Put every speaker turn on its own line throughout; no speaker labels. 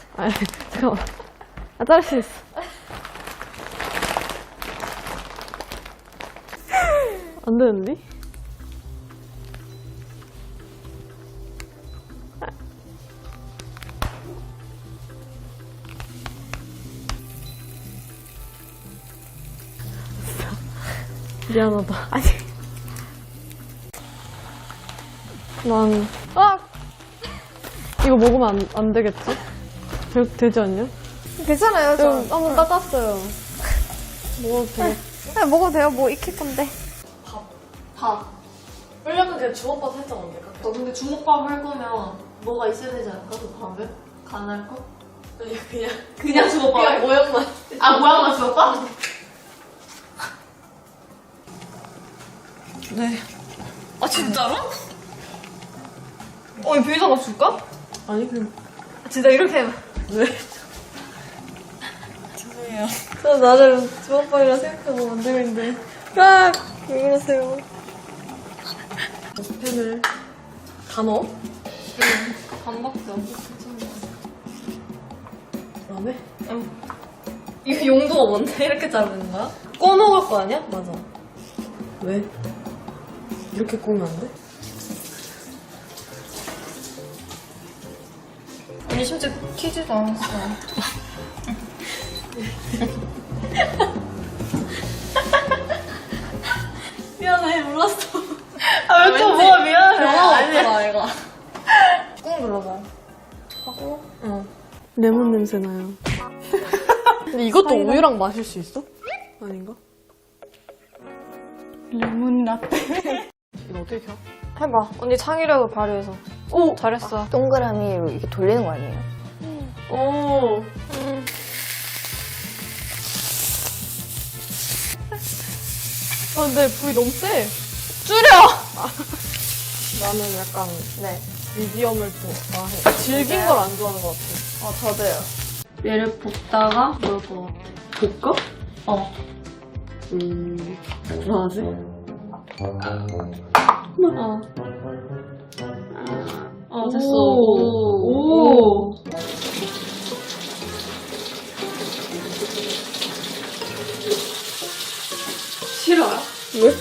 아니, 잠깐만. 아, 자를 수 있어. 안 되는데? 미안하다. 아니. 이거 먹으면 안 되겠지? 되지 않냐?
괜찮아요, 저.
한번 닦았어요. 먹어도 되겠지?
그냥 먹어도 돼요. 뭐 익힐 건데.
밥.
원래는 그냥 주먹밥 살짝 안 될까?
너 근데 주먹밥 할 거면 뭐가 있어야 되지 않을까? 그 밥에? 간할 거? 그냥 주먹밥.
그냥 모양만.
아, 모양만 주먹밥?
네.
아, 진짜로? 이 비자 맞출까?
아니, 그냥.
진짜 이렇게 해봐.
죄송해요.
저 나를 주먹밥이라 생각하고 만들고 있는데. 아! 왜 그러세요? 펜을 다 넣어?
반밖에 안 돼.
그다음에?
이거 용도가 뭔데? 이렇게 자르는 거야?
꺼먹을 거 아니야? 맞아. 왜? 이렇게 꼬면 안 돼?
아니, 심지어 튀지도 않았어.
미안해, 몰랐어.
아, 왜 또 뭐가 미안해?
아니야, 이거.
꾹 눌러봐.
레몬 냄새 나요. 근데 이것도 우유랑 마실 수 있어? 아닌가?
레몬 라떼.
이거 어떻게 켜?
해봐. 언니 창의력을 발휘해서. 오! 잘했어.
동그라미로 이렇게 돌리는 거 아니에요?
오. 근데 불이 너무 세. 나는 약간 미디엄을 좋아해. 질긴 걸 안 좋아하는 것 같아.
저도요. 얘를 볶다가 먹을 것 같아.
볶아?
어.
좋아하지?
됐어.
오.
싫어요?
왜?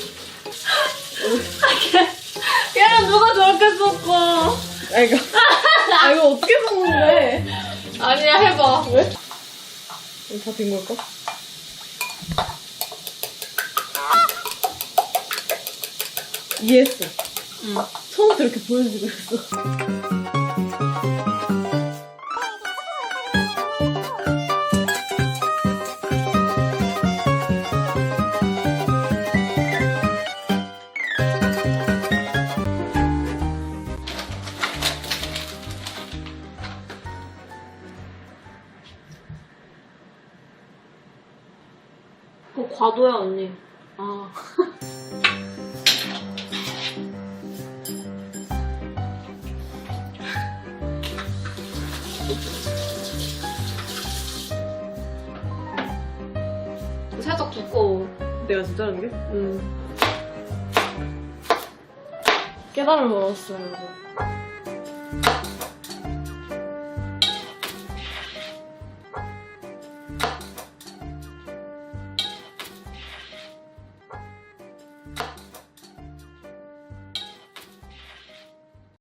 걔는 누가 저렇게 섞어?
이거 어떻게 먹는데?
아니야, 해봐.
왜? 다 된 걸까? 이해했어. 처음부터 이렇게 보여주고 있어.
그거 과도야, 언니. 아. 살짝 두꺼워.
내가 진짜 하는 게? 깨달음을 얻었어요, 여러분.